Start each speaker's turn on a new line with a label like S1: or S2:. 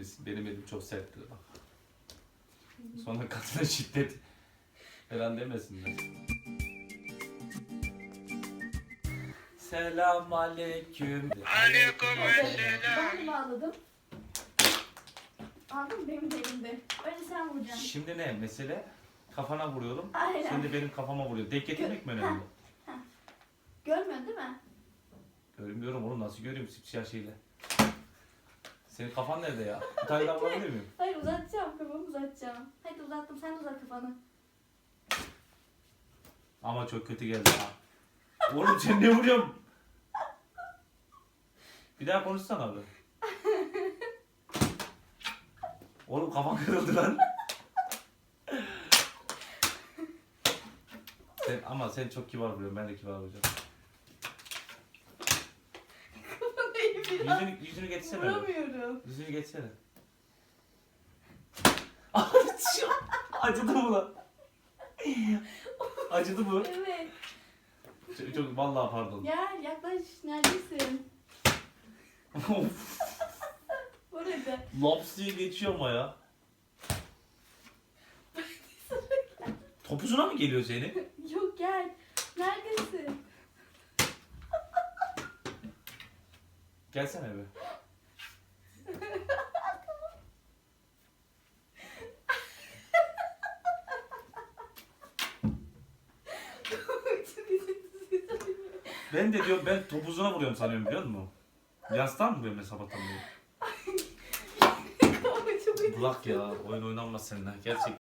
S1: misin? Benim elim çok serttir bak. Sonra kadına şiddet falan demesinler. Selam aleyküm.
S2: Ben de bağladım. Aldın mı? Benim de elimde. Önce sen vuracaksın.
S1: Şimdi ne mesele? Kafana vuruyorum.
S2: Aynen.
S1: Sen de benim kafama vuruyor. Denk getirmek mi önemli?
S2: Görmüyorsun değil mi?
S1: Görmüyorum oğlum, nasıl göreyim sipsiyah şeyle. Senin kafan nerede ya? Bir tane daha vurabilir miyim?
S2: Hayır uzatacağım. Kafamı uzatacağım. Hadi uzattım. Sen de uzat kafanı.
S1: Ama çok kötü geldi ha. Oğlum sen ne vuruyorsun? Bir daha konuşsana abi. Oğlum kafam kırıldı lan. Sen çok kibar vuruyorsun, ben de kibar vuracağım.
S2: Kafanı biraz.
S1: Yüzünü geçsene.
S2: Vuramıyorum.
S1: Yüzünü geçsene. Acıdı mı lan? Acıdı mı?
S2: Evet.
S1: Çok vallahi pardon.
S2: Gel yaklaş. Neredesin?
S1: Of.
S2: Burada.
S1: Laps diye geçiyor ama ya. Topuzuna mı geliyor senin?
S2: Yok gel. Neredesin?
S1: Gelsene be. Ben de diyorum, ben topuzuna vuruyorum sanıyorum, biliyor musun? Yastan mı vuruyorum ben sabahtan beri? Bırak ya, oyun oynanmaz seninle gerçekten.